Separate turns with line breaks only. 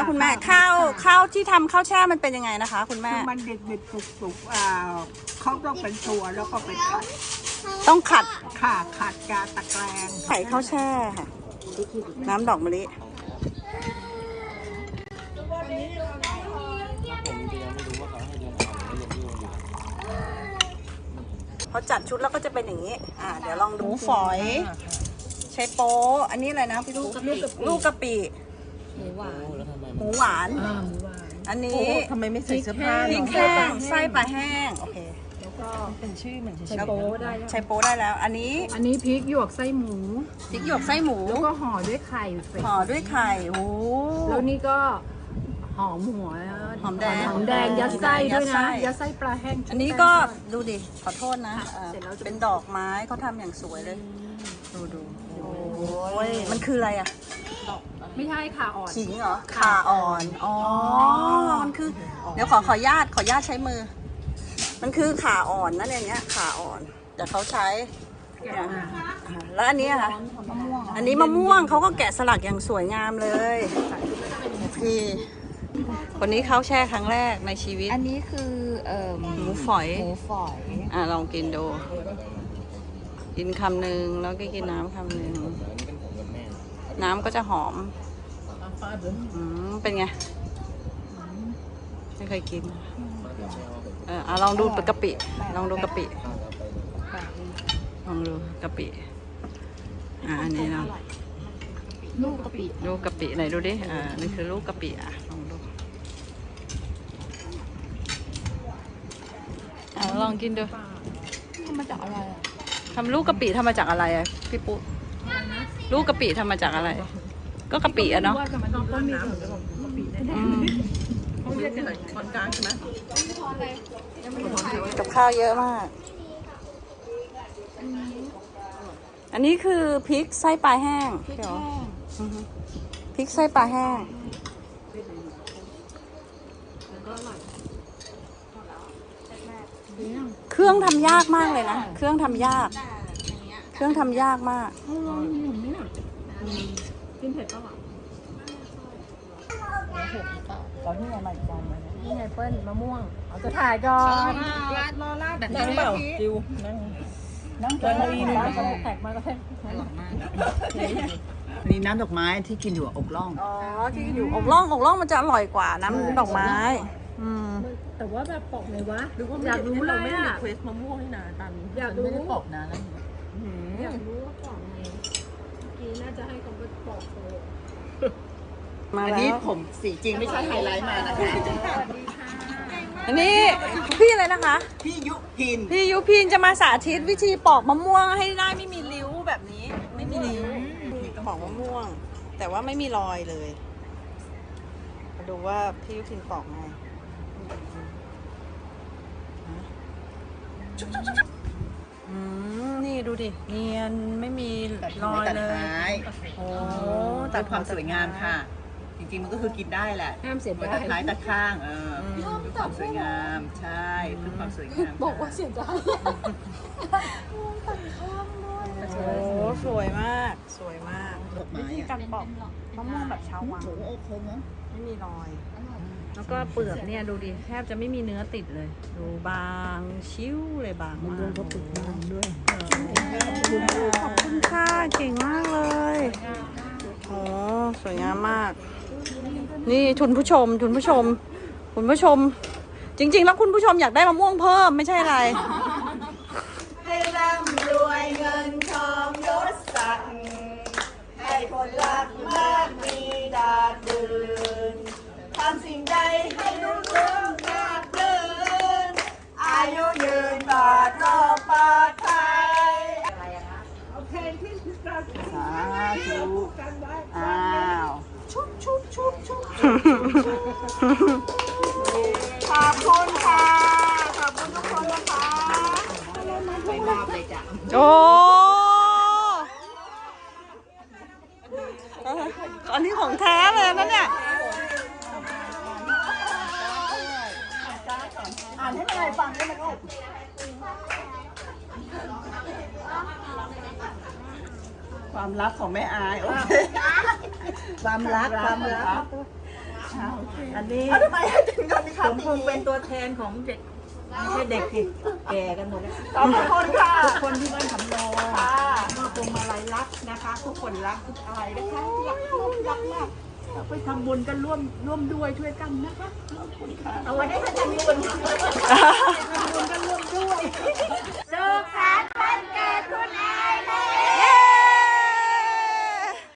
คุณแม่ข้าวที่ทำข้าวแช่มันเป็นยังไงนะคะคุณแม่
คือมันเด็ดๆสุกๆเขาต้องเป็นตัวแล้วก็ไปขัด
ต้องขัด
ขัดกาตะแกรง
ไข่ข้าวแช่ค่ะน้ำดอกมะลิพอจัดชุดแล้วก็จะเป็นอย่างนี้เดี๋ยวลองดูฝอยใช้โป๊อันนี้อะไรนะพี่ลูกกะปิหมูหวานอันนี้
ทำไมไม่ใส่เสื้อผ้า
พริกแห้งไส้ปลาแห้งโอเค
แล้วก็เป็นชื่อเหมือน
ใช้โป๊ได้ใช้โป๊ได้แล้วอันนี้
พริกหยวกไส้หมู
พริกหยวกไส้หมู
แล้วก็ห่อด้วยไข่
โอ้
แล้วนี่ก็หอมหัว
หอมแดง
ยัดไส้ด้วยนะยัดไส้ปลาแห้ง
อันนี้ก็ดูดิขอโทษนะเป็นดอกไม้เขาทำอย่างสวยเลยดูโอ้ยมันคืออะไรอ่ะ
ไม่ใช่ขาอ่อน
ขิงเหรอขาอ่อนอ๋อมันคือเดี๋ยวขอญาตใช้มือมันคือขาอ่อนนั่นเองเนี้ยขาอ่อนแต่เขาใช้แล้วอันนี้ค่ะอันนี้มะม่วงเขาก็แกะสลักอย่างสวยงามเลยพี่คนนี้เขาแช่ครั้งแรกในชีวิต
อันนี้คือ
หมูฝอยลองกินดูกินคำหนึ่งแล้วก็กินน้ำคำหนึ่งน้ำก็จะหอมเป็นไงไม่เคยกินลองดูกะปิลองดูกะปิอันนี้เนาะ
ลูกกะ
ปิไหนดูดินี่คือลูกกะปิลองดูลองกินดู
ทำมาจากอะไร
ทำลูกกะปิทำมาจากอะไรพี่ปุ๊ลูกกะปิทำมาจากอะไรก็กะปิเนาะ
คนกลางใช่ไหม
กับข้าวเยอะมากอันนี้คือพริกไส้ปลาแห้งพริกไส้ปลาแห้งเครื่องทำยากมากเลยนะเครื่องทำยากมาก
กินเผ็ดป่ะ
เราที่ไงมาอีกจานนึง
นี่ไงเปิ้ลมะม่วงเอาจะถ่ายก่อน
รอลาดนั่งเปล่าจิวนั่งกินอีนึง
แตกมาแล้ว
นี่น้ำดอกไม้ที่กินอยู่อกล่อง
ที่กินอยู่อกล่องมันจะอร่อยกว่าน้ำดอกไม้
แต่ว่าแบบปอกเลยวะอยากรู้เลย
ไม่ได้เควสมะม่วงนี่นะตัน
อยากรู้
ไม่ได้ปอกนะแล้ว
อยากรู้ว่าปอกไงกี้น่าจะให้เขาไปปอกเลย
อันนี้ผมสีจริงไม่ใช่ไฮไลท์มานะคะ
อันนี้พี่อะไรนะคะ
พี่ยุ
พินจะมาสาธิตวิธีปอกมะม่วงให้ได้ไม่มีริ้วแบบนี้ไม่มีริ้วปอกมะม่วงแต่ว่าไม่มีรอยเลยมาดูว่าพี่ยุพินปอกไงนี่ดูดิเนียนไม่มีรอยเลยโอ้
ตัดความสวยงามค่ะจริงๆมันก็คือกินได้แหละ
ห้ามเสียดาย
ตัดท้ายตัดข้างเพื่อความสวยงามใช่เพื่อความสวยงาม
บอกว่าเสียดายตัดข้างด้วย
โอ้สวยมากวิธีการปอกมะม่วงแบบชาววังไม่มีรอยแล้วก็เปลือกเนี่ยดูดิแทบจะไม่มีเนื้อติดเลยดูบางชิ้วเลยบางมาก
ก็ติดบางด้วย
ขอบคุณค่ะเก่งมากเลยโอ้สวยงามมากนี่คุณผู้ชมจริงๆแล้วคุณผู้ชมอยากได้มะม่วงเพิ่มไม่ใช่อะไร
ให้ร่ำรวยเงินทองยศศักดิ์ให้คนรักมากมีดาดดืนทำสิ่งใดให้รุ่งเรืองราบรื่นอายุยืนตลอดปลอดภัยโอเคที่เราสาธุชุบขอบคุณค่ะขอบคุณทุกคนนะคะไม่มาเลยจ้ะ
โอ้อันนี้ของแท้เลยนะเนี่ย
อ่านให้มันอะไรฟังได้ไหมลูกความลับของแม่อายโอเคความรัก
อันนี้
ทำไมถึงโดนมี
ผ
คำ
มคงเป็นตัวแทนของเด็กไม่ใช่เด็กสิแก่กันหมดแล้ว
ขอบคุณค่ะ
ทุกคนที่บ้านสำโรง
ค่ะ
มอบพวงมาลัยรักนะคะ ทุกคนรักทุกอะไรนะคะรักมากเราไปทำบุญกันร่วมด้วยช่วยกันนะคะ
เอาไว้ให้ท่านทำบุญ